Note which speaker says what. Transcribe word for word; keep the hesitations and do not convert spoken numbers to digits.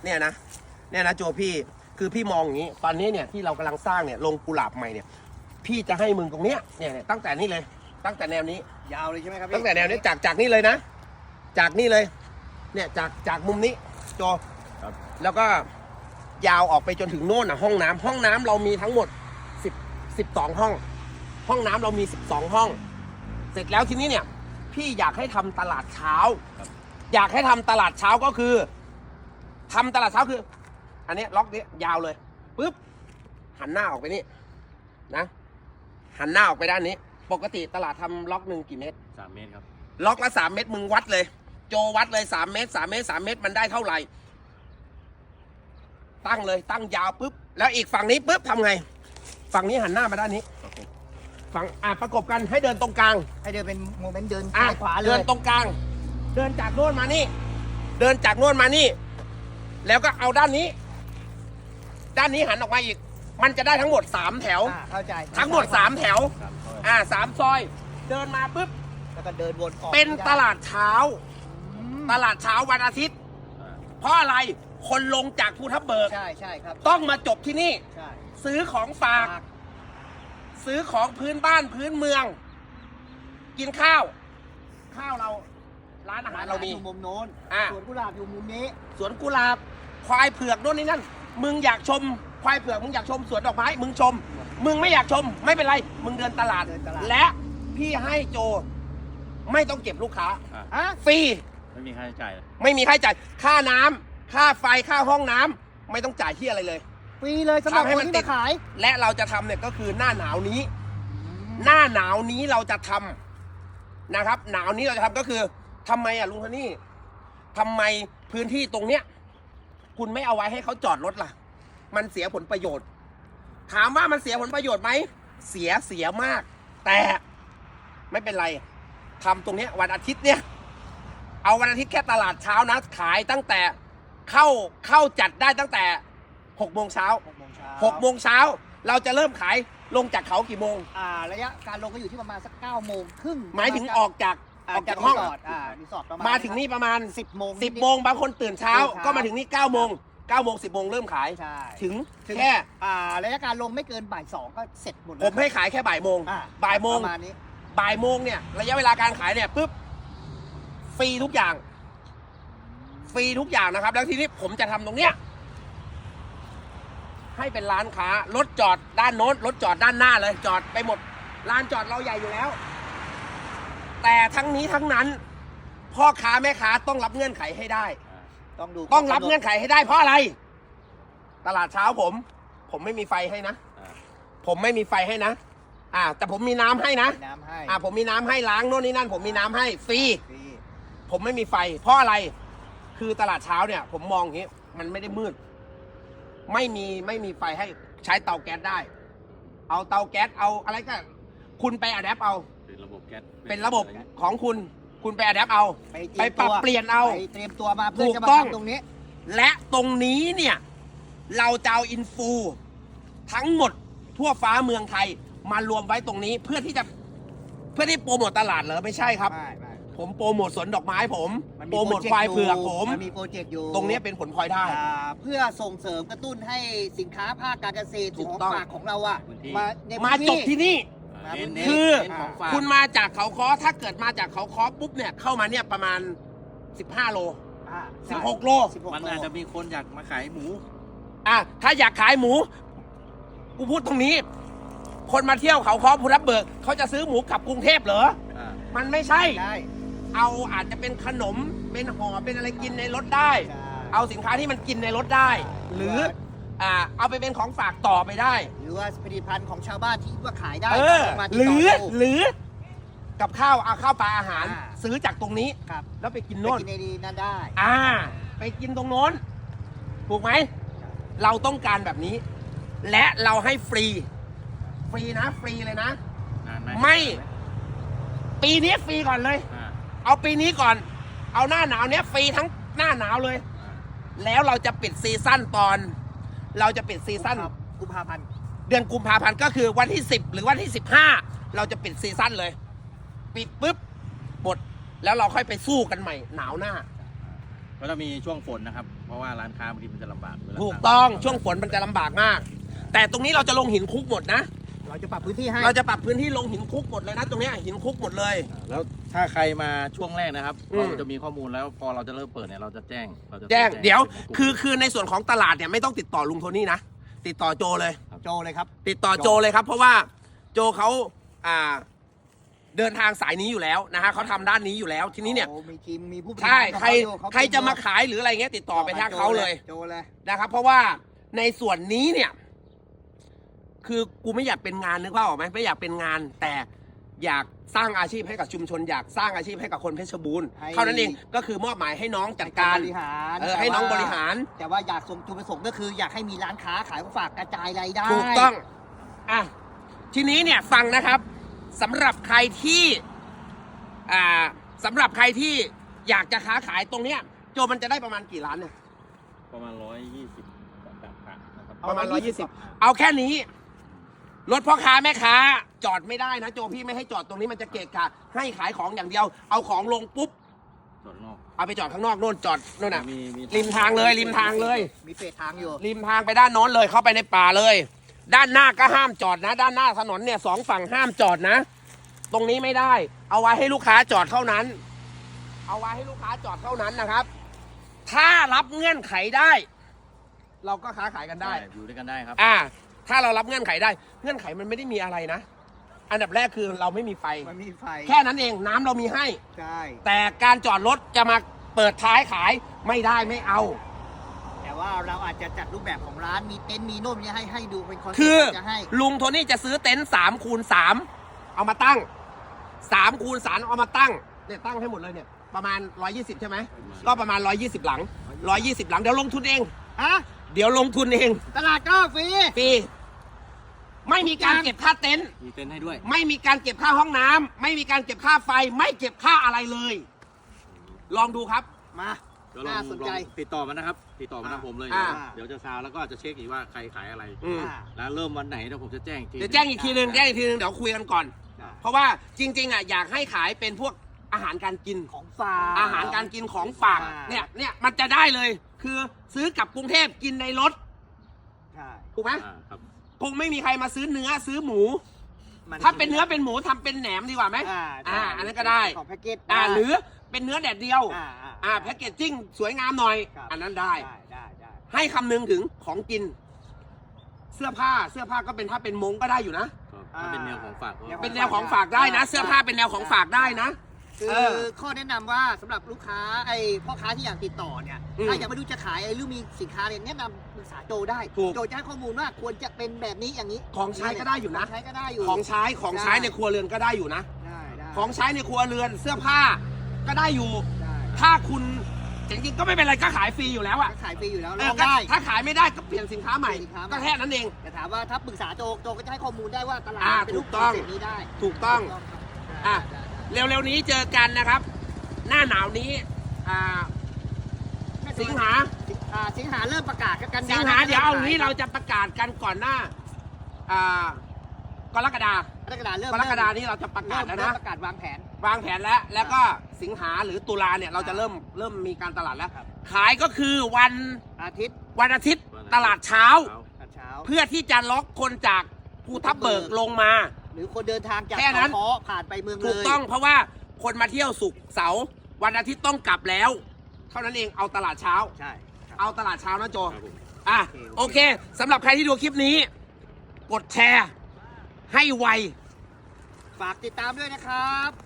Speaker 1: เนี่ยนะเนี่ยนะโจพี่คือพี่มองอย่างนี้ตอนนี้เนี่ยที่เรากำลังสร้างเนี่ยลงกุหลาบใหม่เนี่ยพี่จะให้มึงตรงเนี้ยเนี่ยตั้งแต่นี้เลยตั้งแต่แนวนี้
Speaker 2: ยาวเลยใช่ไหมครับพี่
Speaker 1: ตั้งแต่แนวนี้จากจากนี่เลยนะจากนี่เลยเนี่ยจากจากมุมนี้โจแล้วก็ยาวออกไปจนถึงโน่นอ่ะห้องน้ำห้องน้ำเรามีทั้งหมดสิบสิบสองห้องห้องน้ำเรามีสิบสองห้องเสร็จแล้วทีนี้เนี่ยพี่อยากให้ทำตลาดเช้าอยากให้ทำตลาดเช้าก็คือทำตลาดเช้าคืออันนี้ล็อกนี้ยาวเลยปุ๊บหันหน้าออกไปนี่นะหันหน้าออกไปด้านนี้ปกติตลาดทำล็อกหนึ่งกี่เมตร
Speaker 3: สามเมตรครับ
Speaker 1: ล็อกละสามเมตรมึงวัดเลยโจวัดเลยสามเมตรสามเมตรสามเมตรมันได้เท่าไหร่ตั้งเลยตั้งยาวปุ๊บแล้วอีกฝั่งนี้ปุ๊บทำไงฝั่งนี้หันหน้ามาด้านนี้ฝั่งอ่ะประกบกันให้เดินตรงกลาง
Speaker 2: ให้เดินเป็นโมเมนต์เดิน
Speaker 1: อ่ะ
Speaker 2: ซ้ายขวาเลย
Speaker 1: เดินตรงกลางเดินจากโน่นมานี่เดินจากโน่นมานี่แล้วก็เอาด้านนี้ด้านนี้หันออกมาอีกมันจะได้ทั้งหมดสามแถว
Speaker 2: เข้าใจ
Speaker 1: ทั้งหมดสามแถวอ่าสามซอยเดินมาปุ๊บ
Speaker 2: แล้วก็เดินวนออก
Speaker 1: เป็นตลาดเช้าตลาดเช้าวันอาทิตย์เพราะอะไรคนลงจากภูทับเบิก
Speaker 2: ใช่ใช่ครับ
Speaker 1: ต้องมาจบที่นี่
Speaker 2: ใช่
Speaker 1: ซื้อของฝากซื้อของพื้นบ้านพื้นเมืองกินข้าวข้าวเราร้านอาหารเรามี
Speaker 2: มุมโน้นสวนกุหลาบอยู่มุมนี้
Speaker 1: สวนกุหลาบควายเผือกโน่นนี่นั่นมึงอยากชมควายเผือกมึงอยากชมสวนดอกไม้มึงชมมึงไม่อยากชมไม่เป็นไรมึงเดินตลาดและพี่ให้โจไม่ต้องเก็บลูกค้าฟรี
Speaker 3: ไม่มีค่าใช้จ่าย
Speaker 1: ไม่มีค่าใช้จ่ายค่าน้ำค่าไฟค่าห้องน้ำไม่ต้องจ่ายที่อะไรเลย
Speaker 2: ฟรีเลยสำหรับคนที่มาขาย
Speaker 1: และเราจะทำเนี่ยก็คือหน้าหนาวนี้หน้าหนาวนี้เราจะทำนะครับหนาวนี้เราจะทำก็คือทำไมอ่ะลุงโทนี่ทำไมพื้นที่ตรงเนี้ยคุณไม่เอาไว้ให้เขาจอดรถล่ะมันเสียผลประโยชน์ถามว่ามันเสียผลประโยชน์ไหมเสียเสียมากแต่ไม่เป็นไรทำตรงเนี้ยวันอาทิตย์เนี่ยเอาวันอาทิตย์แค่ตลาดเช้านะขายตั้งแต่เข้าเข้าจัดได้ตั้งแต่หกโมงเช้าหกโมงเช้าเราจะเริ่มขายลงจากเขากี่โมง
Speaker 2: อ่าระยะการลงก็อยู่ที่ประมาณสักเก้าโมงครึ่ง
Speaker 1: หมายถึงออกจากออกจากห้อง
Speaker 2: อ่ารีสอร์ทประมาณ
Speaker 1: มาถึงนี่ประมาณ
Speaker 2: สิบโมง
Speaker 1: สิบโมงบางคนตื่นเช้าก็มาถึงนี่เก้าโมงเก้าโมงสิบโมงเริ่มขายถึงแค่
Speaker 2: อ่าระยะการลงไม่เกินบ่ายสองก็เสร็จหมด
Speaker 1: ผมให้ขายแค่บ่ายโมงบ่ายโมงบ่ายโมงเนี่ยระยะเวลาการขายเนี่ยปุ๊บฟรีทุกอย่างฟรีทุกอย่างนะครับแล้วทีนี้ผมจะทำตรงเนี้ยให้เป็นร้านค้ารถจอดด้านโน้นรถจอดด้านหน้าเลยจอดไปหมดลานจอดเราใหญ่อยู่แล้วแต่ทั้งนี้ทั้งนั้นพ่อค้าแม่ค้าต้องรับเงื่อนไขให้ได้
Speaker 2: ต้องดู
Speaker 1: ต้องรับเงื่อนไขให้ได้เพราะอะไรตลาดเช้าผมผมไม่มีไฟให้นะผมไม่มีไฟให้นะอ่าแต่ผมมีน้ำให้นะ
Speaker 2: น้ำให้
Speaker 1: อ่าผมมีน้ำให้ล้างโน่นนี่นั่นผมมีน้ำให้ฟรีผมไม่มีไฟเพราะอะไรคือตลาดเช้าเนี่ยผมมองอย่างนี้มันไม่ได้มืดไม่มีไม่มีไฟให้ใช้เตาแก๊สได้เอาเตาแก๊สเอาอะไรก็คุณไปอัดแอปเอา
Speaker 3: เป็นระบบแก๊ส
Speaker 1: เป็นระบบของคุณคุณไปอัดแอปเอาไปปรับเปลี่ยนเอา
Speaker 2: ไปเตรียมตัวมาเพื่อจะมาทำตรงนี้
Speaker 1: และตรงนี้เนี่ยเราจะเอาอินฟูทั้งหมดทั่วฟ้าเมืองไทยมารวมไว้ตรงนี้เพื่อที่จะเพื่อที่โปรโมทตลาดเหรอไม่ใช่ครับผมโปรโมทสวนดอกไม้ผมโปรโมทควายเผือกผม
Speaker 2: มีโปรเจกต์อยู่
Speaker 1: ตรงนี้เป็นผลพลอยได้
Speaker 2: เพื่อส่งเสริมกระตุ้นให้สินค้าภาคการเกษตรของฝากของเราอะ
Speaker 1: มามาจบที่นี่คือคุณมาจากเขาค้อถ้าเกิดมาจากเขาค้อปุ๊บเนี่ยเข้ามาเนี่ยประมาณสิบห้าโลสิบหกโล
Speaker 3: มันอาจจะมีคนอยากมาขายหมู
Speaker 1: อ่ะถ้าอยากขายหมูกูพูดตรงนี้คนมาเที่ยวเขาค้อภูทับเบิกเขาจะซื้อหมูกลับกรุงเทพเหรอมันไม่ใช่เอาอาจจะเป็นขนมเป็นห่อเป็นอะไรกินในรถได้เอาสินค้าที่มันกินในรถได้หรืออ่าเอาไปเป็นของฝากต่อไปได้
Speaker 2: หรือว่าผลิตภัณฑ์ของชาวบ้านที่ว่าขายได้
Speaker 1: หรือหรือกับข้าวเอาข้าวปลาอาหารซื้อจากตรงนี้แล้วไปกินโน่น
Speaker 2: ไปกินในนี้นั่นได้
Speaker 1: อ่าไปกินตรงโน้นถูกไหมเราต้องการแบบนี้และเราให้ฟรีฟรีนะฟรีเลยนะไม่ปีนี้ฟรีก่อนเลยเอาปีนี้ก่อนเอาหน้าหนาวเนี้ยฟรีทั้งหน้าหนาวเลยแล้วเราจะปิดซีซั่นตอนเราจะปิดซีซั่น
Speaker 2: กุมภาพันธ์
Speaker 1: เดือนกุมภาพันธ์ก็คือวันที่สิบหรือวันที่สิบห้าเราจะปิดซีซั่นเลยปิดปุ๊บหมดแล้วเราค่อยไปสู้กันใหม่หนาวหน้า
Speaker 3: ก็จะมีช่วงฝนนะครับ เพราะว่าร้านค้าบางทีมันจะลำบากเวลา
Speaker 1: ถูกต้องช่วงฝนมันจะลำบากมาก แต่ตรงนี้เราจะลงหินคุกหมดนะ
Speaker 2: เราจะปรับพื้นที่ให้
Speaker 1: เราจะปรับพื้นที่ลงหินคุกหมดเลยนะตรงเนี้ยหินคุกหมดเลย
Speaker 3: แล้วถ้าใครมาช่วงแรกนะครับ
Speaker 1: อืม
Speaker 3: เราจะมีข้อมูลแล้วพอเราจะเริ่มเปิดเนี่ยเราจะแจ้งเราจะ
Speaker 1: แจ้งเดี๋ยว
Speaker 3: เป็นกลุ่ม
Speaker 1: คือคือในส่วนของตลาดเนี่ยไม่ต้องติดต่อลุงโทนี่นะติดต่อโจเลย
Speaker 2: โจเลยครับ
Speaker 1: ติดต่อโจเลยครับ เพราะว่าโจเขาอ่าเดินทางสายนี้อยู่แล้วนะฮะเขาทำด้านนี้อยู่แล้วทีนี้เนี่ย
Speaker 2: โอ้มีทีมมีผู้บริหาร
Speaker 1: ใช่ใคร
Speaker 2: ของเขาอยู่
Speaker 1: ใครจะมาขายหรืออะไรเงี้ยติดต่อไปทางเขาเลย
Speaker 2: โจเลย
Speaker 1: นะครับ เพราะว่าในส่วนนี้เนี่ย คือกูไม่อยากเป็นงานนึกว่าออกไหมไม่อยากเป็นงาน แต่อยากสร้างอาชีพให้กับชุมชน อยากสร้างอาชีพให้กับคนเพชรบูรณ์เท่านั้นเองก็คือมอบหมายให้น้องจัดการ
Speaker 2: บริหาร
Speaker 1: เออให้น้องบริหาร
Speaker 2: แต่ว่าอยากส่งจุดประสงค์ก็คืออยากให้มีร้านค้าขายของฝากกระจายรายได้
Speaker 1: ถูกต้อง อ่ะ ทีนี้เนี่ยฟังนะครับสำหรับใครที่ อ่าสำหรับใครที่อยากจะค้าขายตรงเนี้ย โจมันจะได้ประมาณกี่ล้านเนี่ย
Speaker 3: ประมาณร้อยยี่สิบต่างๆนะครับ
Speaker 1: ประมาณร้อยยี่สิบเอาแค่นี้ รถพ่อค้าแม่ค้า จอดไม่ได้นะโจพี่ไม่ให้จอดตรงนี้มันจะเกะกะ ให้ขายของอย่างเดียว เอาของลงปุ๊บ
Speaker 3: ส่วนนอก
Speaker 1: เอาไปจอดข้างนอกโน่นจอดโน่นน่ะ
Speaker 3: มีมี
Speaker 1: ริมทางเลย ริมทางเลย
Speaker 2: มีเฟสทางอยู่
Speaker 1: ริมทางไปด้านโน้นเลยเข้าไปในป่าเลย ด้านหน้าก็ห้ามจอดนะ ด้านหน้าถนนเนี่ยสองฝั่งห้ามจอดนะ ตรงนี้ไม่ได้ เอาไว้ให้ลูกค้าจอดเท่านั้น เอาไว้ให้ลูกค้าจอดเท่านั้นนะครับ ถ้ารับเงื่อนไขได้ เราก็ค้าขายกันได้
Speaker 3: ได้อยู่ด้วยกันได้ครับ
Speaker 1: อ่า ถ้าเรารับเงื่อนไขได้ เงื่อนไขมันไม่ได้มีอะไรนะ อันดับแรกคือเราไม่มีไฟ
Speaker 2: มันมีไฟ
Speaker 1: แค่นั้นเองน้ำเรามีให้
Speaker 2: ใช่
Speaker 1: แต่การจอดรถจะมาเปิดท้ายขายไม่ได้ไม่เอา
Speaker 2: แต่ว่าเราอาจจะจัดรูปแบบของร้านมีเต็นท์มีโน่นมีให้ให้ดูเป็นคอนเซ็ป
Speaker 1: คือ
Speaker 2: ต์จะให้
Speaker 1: ลุงโทนี่จะซื้อเต็นท์สามคูณสามเอามาตั้งสามคูณสามเอามาตั้งเนี่ยตั้งให้หมดเลยเนี่ยประมาณร้อยยี่สิบใช่ไหมก็ประมาณร้อยยี่สิบหลังร้อยยี่สิบหลังเดี๋ยวลงทุนเอง
Speaker 2: ฮะ
Speaker 1: เดี๋ยวลงทุนเอง
Speaker 2: ตลาดก็ฟรี
Speaker 1: ฟรีไม่มีการเก็บค่าเต็นท์
Speaker 3: มีเต็นท์ให้ด้วย
Speaker 1: ไม่มีการเก็บค่าห้องน้ำไม่มีการเก็บค่าไฟ ไม่เก็บค่าอะไรเลย ลองดูครับ
Speaker 2: มา
Speaker 3: เดี๋ยวลอง
Speaker 2: น่าสนใจ
Speaker 3: ลองติดต่อมานะครับ ติดต่อมาทางผมเลย
Speaker 1: อ่า
Speaker 3: เดี๋ยวจะซาวแล้วก็จะเช็คอีกว่าใครขายอะไร
Speaker 1: อืม
Speaker 2: อ่า
Speaker 3: แล้วเริ่มวันไหนเดี๋ยวผมจะแจ้งอีกที
Speaker 1: เดี๋ยวแจ้งอีกทีนึงแจ้งอีกทีนึงเดี๋ยวคุยกันก่อน
Speaker 2: อ่า
Speaker 1: เพราะว่าจริงๆอ่ะอยากให้ขายเป็นพวกอาหารการกิน
Speaker 2: ของฝาก
Speaker 1: อาหารการกินของฝากเนี่ยเนี่ยมันจะได้เลย คือซื้อกลับกรุงเทพกินในรถ
Speaker 2: ใช่
Speaker 1: ถูกไหม
Speaker 3: อ่าครับ
Speaker 1: คงไม่มีใครมาซื้อเนื้อซื้อหมู
Speaker 2: มั
Speaker 1: ถ้าเป็นเนื้อเป็นหมูทำเป็นแหนมดีกว่าไหม
Speaker 2: อ่า
Speaker 1: อ่าอันนั้นก็ได้
Speaker 2: ของแพ็กเกจ
Speaker 1: อ่าหรือเป็นเนื้อแดดเดียว
Speaker 2: อ่า
Speaker 1: อ่าแพ็กเกจจิ้งสวยงามหน่อย
Speaker 2: ครับ
Speaker 1: อันนั้นได้
Speaker 2: ได้ได้ได้
Speaker 1: ให้คำนึงถึงของกิน เสื้อผ้าเสื้อผ้าก็เป็นถ้าเป็นมงก็ได้อยู่นะ
Speaker 3: ก็ถ้าเป็นแนวของฝากก็
Speaker 1: เป็นแนวของฝากได้นะ เสื้อผ้าเป็นแนวของฝากได้นะ
Speaker 2: คื
Speaker 1: เอ
Speaker 2: อ
Speaker 1: อ
Speaker 2: ข้อแนะนำว่าสำหรับลูกค้าไอ้พ่อค้าที่อยากติดต่อเนี่ย
Speaker 1: อืม
Speaker 2: ถ้ายังไม่รู้จะขายไอ้หรือมีสินค้าเนี่ยแนะนำปรึกษาโจได้
Speaker 1: ถูก
Speaker 2: โจจะให้ข้อมูลว่าควรจะเป็นแบบนี้อย่างนี้
Speaker 1: ของใช้ก็ได้อยู่นะ
Speaker 2: ขงใช้ก็ได้อยู่
Speaker 1: ของใช้ของใช้ในครัวเรือนก็ได้อยู่นะ
Speaker 2: ได้ได้
Speaker 1: ของใช้ในครัวเรือนเสื้อผ้าก็ได้อยู่
Speaker 2: ได้
Speaker 1: ถ้าคุณจริงๆก็ไม่เป็นไรก็ขายฟรีอยู่แล้วอะ
Speaker 2: ก็ขายฟรีอยู่แล้ว
Speaker 1: เอ
Speaker 2: ล
Speaker 1: อ
Speaker 2: อง
Speaker 1: ก็
Speaker 2: ได้
Speaker 1: ถ้าขายไม่ได้ก็เปลี่ยนสินค้าใหม่
Speaker 2: เปลี่ยนสินค้าใหม่
Speaker 1: ก็แค่นั้นเอง
Speaker 2: แต่ถามว่าถ้าปรึกษาโจโจก็จะให้ข้อมูลได้ว่าตลาด
Speaker 1: อ่า
Speaker 2: เป็นรูป
Speaker 1: ถูกต้อง
Speaker 2: คอนเซ็ปต์นี้ได้
Speaker 1: ถูกต้อง
Speaker 2: ถูกครับ
Speaker 1: อ่ะ
Speaker 2: ได้ได้
Speaker 1: เร็วๆนี้เจอกันนะครับ หน้าหนาวนี้อ่า
Speaker 2: ได้
Speaker 1: สิงหา
Speaker 2: อ่าสิงหาเริ่มประกาศกันกันย
Speaker 1: สิงหาเดี๋ยวเอางี้เราจะประกาศกันก่อนหน้าอ่ากรกฎาก
Speaker 2: รกฎาเริ่ม
Speaker 1: กรกฎานี้เราจะประกาศ
Speaker 2: เริ่ม
Speaker 1: แล้ว
Speaker 2: เริ่
Speaker 1: นะ
Speaker 2: มประกาศวางแผน
Speaker 1: วางแผนแล้ว แล้วก็สิงหาหรือตุลาเนี่ยเราจะเริ่มเริ่มมีการตลาดแล้ว
Speaker 2: ครับ
Speaker 1: ขายก็คือวัน
Speaker 2: อาทิตย์
Speaker 1: วันอาทิตย์ตลาดเช้า
Speaker 2: ตอนเช้า
Speaker 1: เพื่อที่จะล็อกคนจากภูทับเบิกลงมา
Speaker 2: หรือคนเดินทางจาก
Speaker 1: แค่นั้น
Speaker 2: เขาค้อผ่านไปเมืองเลย
Speaker 1: ถูกต้องเพราะว่าคนมาเที่ยวศุกร์เสาร์วันอาทิตย์ต้องกลับแล้ว เท่านั้นเองเอาตลาดเช้า
Speaker 2: ใช่ครับ
Speaker 1: เอาตลาดเช้านะโจ
Speaker 3: ครับผม
Speaker 1: อ่ะ
Speaker 2: โอ
Speaker 1: โอ
Speaker 2: เค
Speaker 1: เคสำหรับใครที่ดูคลิปนี้ กดแชร์ ให้ไว
Speaker 2: ฝากติดตามด้วยนะครับ